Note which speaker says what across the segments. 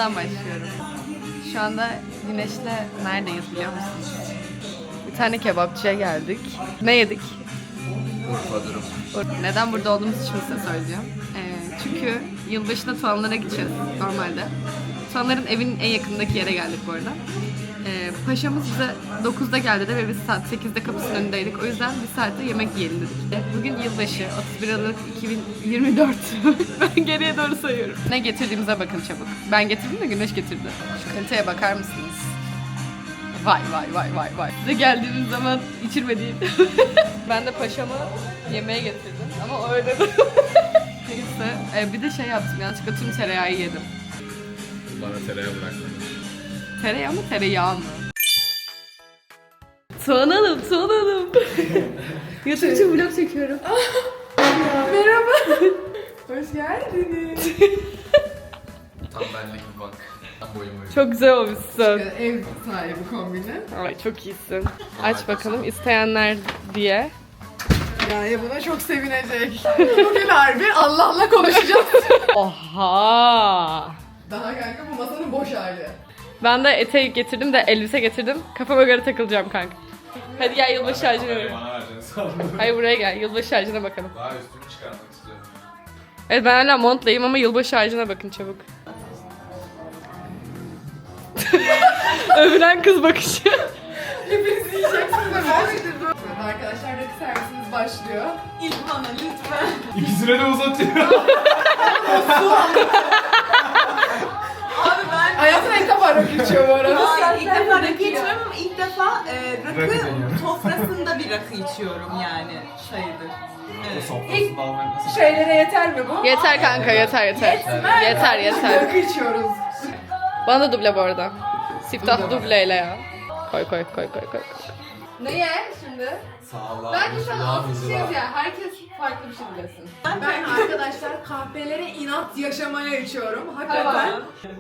Speaker 1: sondan başlıyorum. Şu anda Güneş'le neredeyiz biliyor musunuz? Bir tane kebapçıya geldik. Ne yedik?
Speaker 2: Urfa durum.
Speaker 1: Neden burada olduğumuz için size söyleyeceğim. Çünkü yılbaşında Tuanlar'a gideceğiz normalde. Tuanlar'ın evinin en yakındaki yere geldik bu arada. Paşamız bize 9'da geldi de ve biz saat 8'de kapısının önündeydik. O yüzden bir saatte yemek yiyelim dedik. Bugün yılbaşı 31 Aralık 2024. Ben geriye doğru sayıyorum. Ne getirdiğimize bakın çabuk. Ben getirdim de Güneş getirdi. Şu kaliteye bakar mısınız? Vay vay vay vay vay. Size geldiğimiz zaman içirmediğim. Ben de paşama yemeğe getirdim ama öyle de. Neyse. Bir de şey yaptım, yanlışlıkla tüm tereyağı yedim.
Speaker 2: Bana tereyağı bıraktın.
Speaker 1: Tereyağı mı tereyağı mı? Tuğanalım. YouTube'da vlog çekiyorum.
Speaker 3: Merhaba. Hoş geldiniz.
Speaker 2: Tam benlik bir bak. Tam boyum uyuyor.
Speaker 1: Çok güzel olmuşsun.
Speaker 3: Ev sahibi kombini.
Speaker 1: Ay çok iyisin. Aç bakalım isteyenler diye.
Speaker 3: Yani buna çok sevinecek. Bugün harbi Allah'la konuşacağız.
Speaker 1: Oha!
Speaker 3: Daha kanka bu masanın boş hali.
Speaker 1: Ben de eteği getirdim de elbise getirdim. Kafama göre takılacağım kanka. Hadi gel yılbaşı ağacına bakalım.
Speaker 2: Bana vereceksin sandım.
Speaker 1: Hayır buraya gel yılbaşı ağacına bakalım.
Speaker 2: Daha üstümü çıkarmak istiyorum.
Speaker 1: Evet ben hala montlayayım ama yılbaşı ağacına bakın çabuk. Övülen kız bakışı.
Speaker 3: Hepiniz yiyeceksiniz de ben Evet arkadaşlar rakı servisimiz başlıyor.
Speaker 4: İlk bana lütfen.
Speaker 2: İkisine de uzatıyor.
Speaker 4: Abi ben...
Speaker 3: Hayatım ilk defa rakı içiyor bu arada.
Speaker 4: Hayır, ilk defa rakı içmiyorum ama ilk defa
Speaker 2: Rakı
Speaker 4: rakı
Speaker 2: deniyorum.
Speaker 4: sofrasında bir rakı içiyorum yani sayılır. Evet.
Speaker 2: Sofrasında almak nasıl?
Speaker 3: Şeylere yeter mi bu?
Speaker 1: Yeter kanka yeter. Yeter.
Speaker 3: Rakı içiyoruz.
Speaker 1: Bana da duble bu arada. Siftah dubleyle ya. Koy. Neye şimdi?
Speaker 2: Sağlam.
Speaker 1: Bence şu an alkışlıyız ya. Herkes farklı bir şey dilesin.
Speaker 3: Ben arkadaşlar kahvelere inat yaşamaya içiyorum. Hakikaten.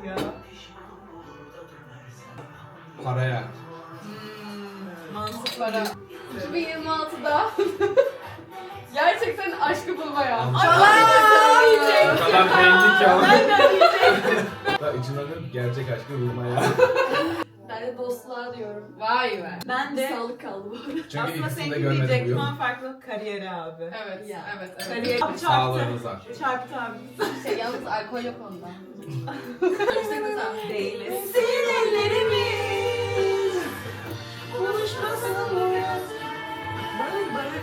Speaker 2: Paraya.
Speaker 4: Mantıklı.
Speaker 1: Para. 2026'da gerçekten aşkı bulmaya.
Speaker 2: O kadar belli ki ama. Da içinde gerçek aşkı bulmaya.
Speaker 1: Ben de dostluğa diyorum. Vay be.
Speaker 4: Ben de
Speaker 1: Sağlık kaldı bu arada.
Speaker 2: Çünkü
Speaker 4: aslında
Speaker 2: ikisini de
Speaker 4: seninki
Speaker 2: görmedim bu
Speaker 4: diyecektim
Speaker 2: yıl.
Speaker 4: ama farklı kariyeri abi.
Speaker 1: Evet.
Speaker 4: Ya.
Speaker 1: Evet.
Speaker 4: Kariyer çarptı.
Speaker 2: Sağlığınıza.
Speaker 4: Çarptı abi.
Speaker 1: Yalnız alkol yok onda.
Speaker 4: Değiliz. Senin ellerimiz konuşmasın mı? Barı barı.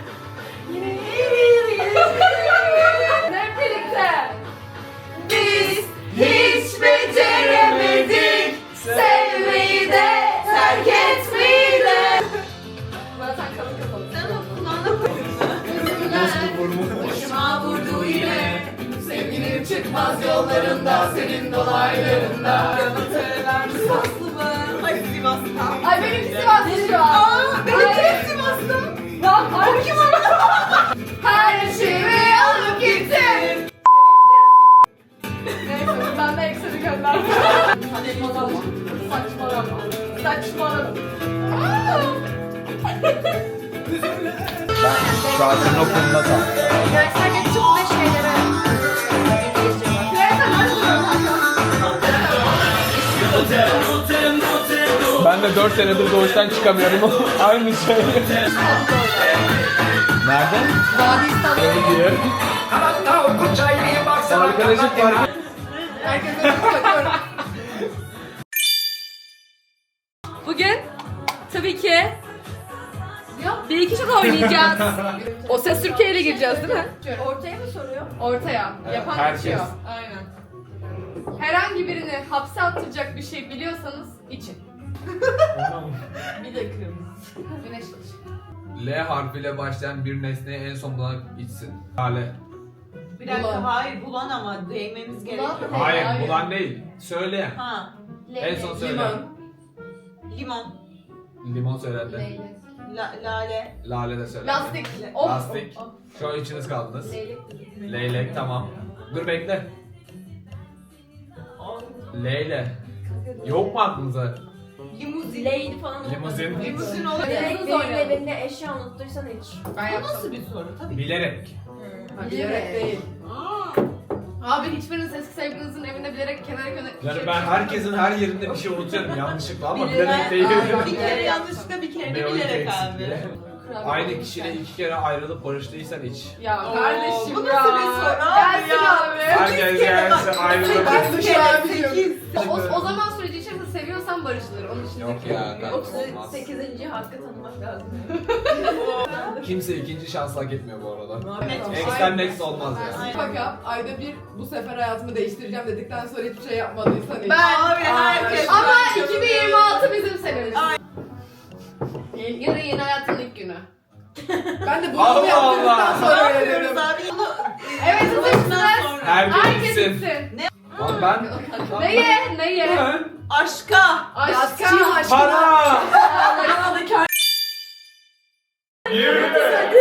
Speaker 1: Hep birlikte.
Speaker 4: Biz hiç beceremedik sevmeyi de terk etmeyi de.
Speaker 1: Zaten kalın kapalı.
Speaker 4: Sen o kulağına başıma vurdu yine.
Speaker 3: Sevgilim çıkmaz yollarında, senin dolaylarında.
Speaker 4: Yamatırlar Sivaslı mı? Ay Sivas'tan.
Speaker 1: Ay benimki Sivas'ta şu an.
Speaker 4: Aa benimki Sivas'tan.
Speaker 1: Lan ay kim o?
Speaker 3: Her şeyi alıp gittin.
Speaker 1: Neyse ben de ekseni gönderdim. Saçmalama.
Speaker 2: Şu an senin okulunda tam.
Speaker 1: Yani sadece çok da şeylere
Speaker 2: Ben de 4 senedir doğuştan çıkamıyorum. Aynı şey. Nerede?
Speaker 1: Vadi
Speaker 2: Diye. Arkadaşım var.
Speaker 3: Herkese bakıyorum.
Speaker 1: Bugün tabii ki bir iki şaka oynayacağız. O Ses Türkiye ile gireceğiz değil mi?
Speaker 3: Ortaya mı soruyor?
Speaker 1: Ortaya. Yapan
Speaker 2: herkes.
Speaker 1: geçiyor. Aynen. Herhangi birini hapse attıracak bir şey biliyorsanız için.
Speaker 4: Bir de kırmızı.
Speaker 1: Güneş iç.
Speaker 2: L harfiyle başlayan bir nesneyi en son bulan içsin. Lale.
Speaker 4: Bir dakika
Speaker 3: Bulan.
Speaker 4: hayır bulan ama değmemiz gerekiyor.
Speaker 2: Hayır,
Speaker 1: Hayır.
Speaker 2: bulan değil. Söyleyen.
Speaker 4: Ha.
Speaker 2: En son söyle.
Speaker 3: Limon.
Speaker 4: Limon.
Speaker 2: Limon söylendi.
Speaker 4: Lale.
Speaker 2: Lale de söyle.
Speaker 1: Lastik. Of.
Speaker 2: Lastik. Şu an içiniz kaldınız.
Speaker 1: Leylek.
Speaker 2: Leylek tamam. Dur bekle. Leyle. Yok mu aklınıza?
Speaker 4: Limuzin.
Speaker 5: Leydi falan.
Speaker 2: Limuzin.
Speaker 4: Limuzin olur.
Speaker 5: Direkt
Speaker 1: Biz
Speaker 5: benim
Speaker 1: oynayalım.
Speaker 5: evinde eşya unuttuysan hiç.
Speaker 1: Ben
Speaker 4: Bu
Speaker 1: yaptım.
Speaker 4: nasıl bir soru? Tabii ki.
Speaker 2: Bilerek.
Speaker 3: Bilerek değil.
Speaker 1: Abi hiçbiriniz eski sevgilinizin evinde bilerek kenara
Speaker 2: Yani ben herkesin her yerinde bir şey unutuyorum yanlışlıkla ama bilerek
Speaker 4: Bilerek
Speaker 2: değil.
Speaker 4: bir kere yanlışlıkla bir kere de
Speaker 2: Ne
Speaker 4: bilerek
Speaker 2: eksik
Speaker 4: abi.
Speaker 2: diye. Aynı kişiyle 2 kere ayrılıp barıştıysan hiç.
Speaker 1: Ya
Speaker 4: Oo,
Speaker 1: kardeşim
Speaker 4: bu
Speaker 1: ya.
Speaker 4: nasıl bir soru
Speaker 1: Gelsin
Speaker 4: ya?
Speaker 1: abi.
Speaker 2: Herkes gelsin ayrılıp.
Speaker 3: Ben de şu an biliyorum.
Speaker 1: O zaman süreci içerisinde seviyorsan barışılır. Onun için
Speaker 2: Yok ya kanka olmaz.
Speaker 5: 38. hakkı tanımak lazım.
Speaker 2: Kimse ikinci şans hak etmiyor bu arada.
Speaker 4: Net.
Speaker 2: Ex'ten next olmaz yani.
Speaker 3: Fakat ayda bir bu sefer hayatımı değiştireceğim dedikten sonra hiçbir şey yapmadıysan hiç.
Speaker 4: Abi herkes.
Speaker 1: Ama 2026 bizim senemiz. Yarın yeni hayatın ilk günü.
Speaker 3: Ben de bunu
Speaker 2: Allah
Speaker 3: yaptırdıktan
Speaker 2: Allah.
Speaker 3: sonra
Speaker 4: Ne
Speaker 3: öyle
Speaker 4: yapıyoruz
Speaker 3: dedim.
Speaker 4: abi? Bunu
Speaker 1: Evet, hazırsınız.
Speaker 2: Herkes
Speaker 1: Herkes
Speaker 2: gitsin.
Speaker 1: gitsin.
Speaker 2: Lan ben...
Speaker 1: Neye? Neye?
Speaker 2: Ben...
Speaker 4: Aşka.
Speaker 1: Aşka.
Speaker 2: Para!
Speaker 3: Para.
Speaker 2: Yürü!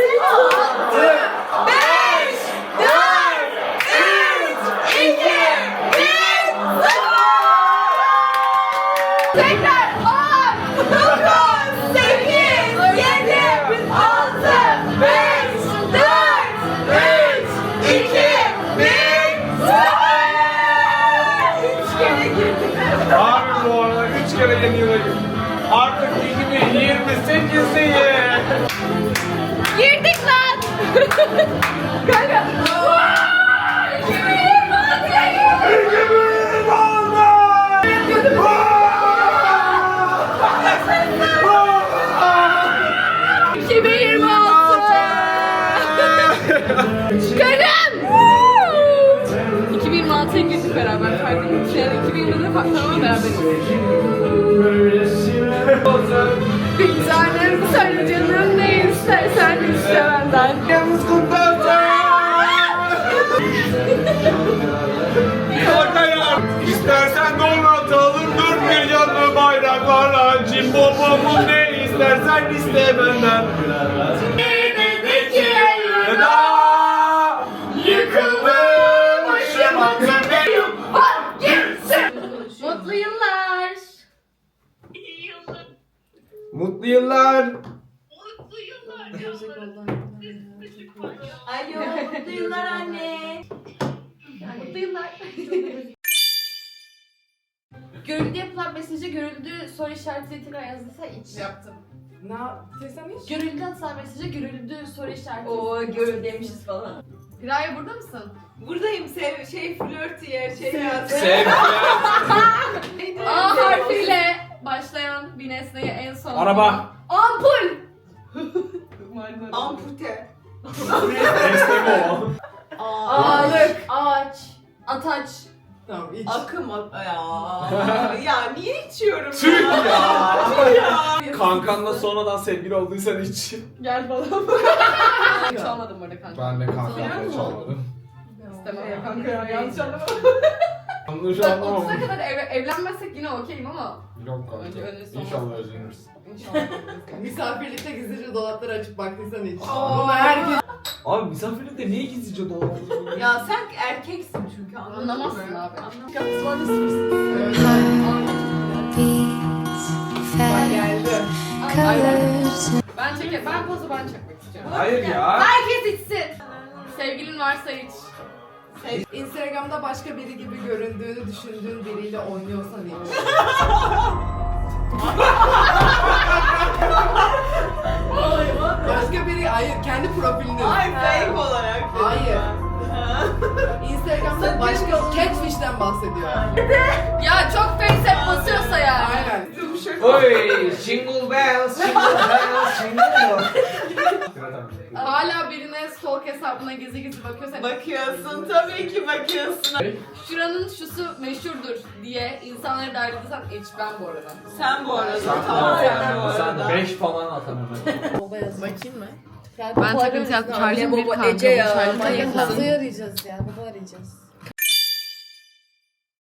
Speaker 1: Tekrar 10, 9, 8, 7, 6, 5, 4, 3, 2, 1,
Speaker 2: Abi bu arada 3 kere yeni yıla girdim. Artık 2028'deyiz.
Speaker 1: Girdik lan! Kanka! 2026'ya girdik beraber. Farklı bir şey. 2020'de tamamen beraberiz. Bir tanem söyle canım ne istersen iste benden.
Speaker 2: Yalnız kutlansın. Kalkayım. İstersen donatalım dört bir yanlı bayraklarla. Cimbombomu ne istersen iste benden. Veda yıkıldım ışımakta benim.
Speaker 1: Mutlu yıllar.
Speaker 2: Mutlu yıllar.
Speaker 4: Alo, mutlu yıllar anne.
Speaker 1: Mutlu yıllar. Görüldü yapılan mesajı görüldü soru işareti tekrar yazdıysa iç.
Speaker 3: Yaptım. Ne yaptıysam hiç.
Speaker 1: Görüldü atılan mesajı görüldü soru işareti.
Speaker 5: Oo gör demişiz falan.
Speaker 1: Piraya burada mısın?
Speaker 4: Buradayım flörtüye yaz.
Speaker 2: Sevgiler.
Speaker 1: A harfiyle başlayan bir nesneye en son.
Speaker 2: Araba.
Speaker 1: Ampul.
Speaker 4: Ampute.
Speaker 2: Esneme o.
Speaker 1: Ağaç. Ağaç. Ataç.
Speaker 3: Tamam hiç.
Speaker 4: Akım ya niye içiyorum
Speaker 2: Tüh
Speaker 4: ya?
Speaker 2: ya. Kankanla sonradan sevgili olduysan hiç.
Speaker 1: Gel falan. Hiç olmadım burada kanka.
Speaker 2: Ben de kankamla hiç olmadım.
Speaker 1: İstemem ya kanka ya yanlış anlama.
Speaker 2: Yanlış
Speaker 1: 30'a
Speaker 2: anlamam.
Speaker 1: kadar evlenmezsek yine okeyim ama.
Speaker 2: Yok kanka.
Speaker 1: Önce son-
Speaker 2: İnşallah özleniriz.
Speaker 1: İnşallah.
Speaker 3: Misafirlikte gizlice dolapları açıp baktıysan hiç.
Speaker 1: Aa.
Speaker 3: Bunu herkes...
Speaker 2: Abi misafirlikte niye gizlice dolandırıyorsun?
Speaker 4: Ya sen erkeksin çünkü
Speaker 1: Anlamazsın abi.
Speaker 3: Bak geldi.
Speaker 1: Ben pozu ben çekmek istiyorum.
Speaker 2: Hayır ya.
Speaker 1: Herkes içsin. Sevgilin varsa iç.
Speaker 3: Instagram'da başka biri gibi göründüğünü düşündüğün biriyle oynuyorsan hiç. Başka biri, hayır kendi profilinde.
Speaker 4: Ay fake olarak.
Speaker 3: Hayır. Instagram'da başka catfish'ten bahsediyor.
Speaker 1: Ya çok face basıyorsa yani.
Speaker 3: Aynen.
Speaker 2: Oy, jingle bells, jingle bells, jingle bells.
Speaker 1: Hala birine stalk hesabına gizli gizli bakıyorsa
Speaker 4: Bakıyorsun tabii ki bakıyorsun.
Speaker 1: şuranın şusu meşhurdur diye insanları davet edersen iç ben bu arada.
Speaker 4: Sen bu arada.
Speaker 2: Sen
Speaker 4: tamam
Speaker 2: tamam
Speaker 4: bu
Speaker 2: sen
Speaker 4: arada.
Speaker 2: 5 falan atamam.
Speaker 3: Bakayım mı?
Speaker 1: Ben takıntı yaptım. Şarjım bir kaldı.
Speaker 5: Ece ya.
Speaker 1: Şarjım
Speaker 5: Manyak
Speaker 1: yetmez.
Speaker 5: Hazı arayacağız ya. Baba arayacağız.